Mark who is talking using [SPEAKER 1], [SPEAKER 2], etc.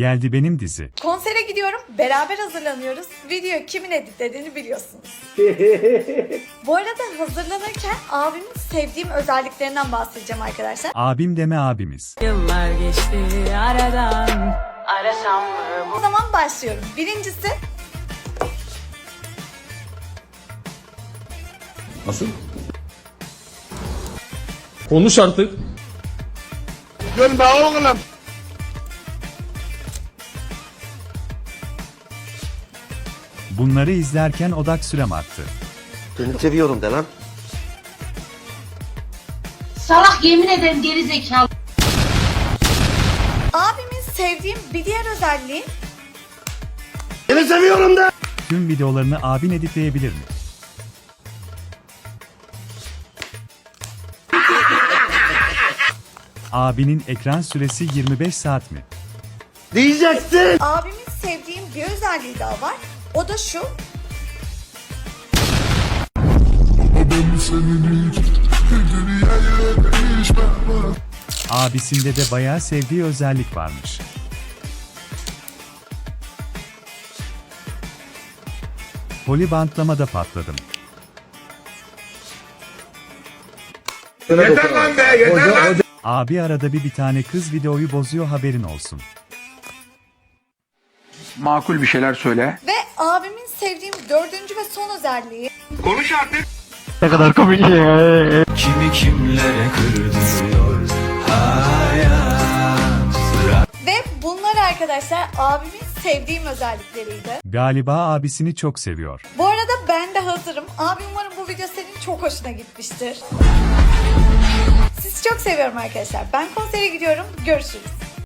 [SPEAKER 1] Geldi benim dizi.
[SPEAKER 2] Konsere gidiyorum, beraber hazırlanıyoruz. Video kimin editlediğini biliyorsunuz. Bu arada hazırlanırken abimin sevdiğim özelliklerinden bahsedeceğim arkadaşlar.
[SPEAKER 1] Abim deme abimiz.
[SPEAKER 3] Yıllar geçti aradan, arasam mı
[SPEAKER 2] O zaman başlıyorum. Birincisi
[SPEAKER 4] Nasıl? Konuş artık.
[SPEAKER 5] Gülme oğlum.
[SPEAKER 1] Bunları izlerken odak sürem arttı.
[SPEAKER 6] Seni seviyorum de lan.
[SPEAKER 7] Salak yemin ederim geri zekalı.
[SPEAKER 2] abimin sevdiğim bir diğer özelliği
[SPEAKER 6] Seni seviyorum de.
[SPEAKER 1] Tüm videolarını abin editleyebilir mi? Abinin ekran süresi 25 saat mi?
[SPEAKER 6] Diyeceksin.
[SPEAKER 2] abimin sevdiğim bir özelliği daha var. O da şu.
[SPEAKER 1] Abisinde de bayağı sevdiği özellik varmış. Polibantlamada patladım.
[SPEAKER 5] Yeter lan be, yeter lan.
[SPEAKER 1] Abi arada bir tane kız videoyu bozuyor, haberin olsun.
[SPEAKER 8] Makul bir şeyler söyle.
[SPEAKER 2] Ve abimin sevdiğim dördüncü ve son özelliği.
[SPEAKER 5] Konuş artık.
[SPEAKER 9] Kimi kimlere kırdırıyor hayat.
[SPEAKER 2] Ve bunlar arkadaşlar abimin sevdiğim özellikleriydi.
[SPEAKER 1] Galiba abisini çok seviyor.
[SPEAKER 2] Bu arada ben de hazırım. Abi umarım bu video senin çok hoşuna gitmiştir. Sizi çok seviyorum arkadaşlar. Ben konsere gidiyorum. Görüşürüz.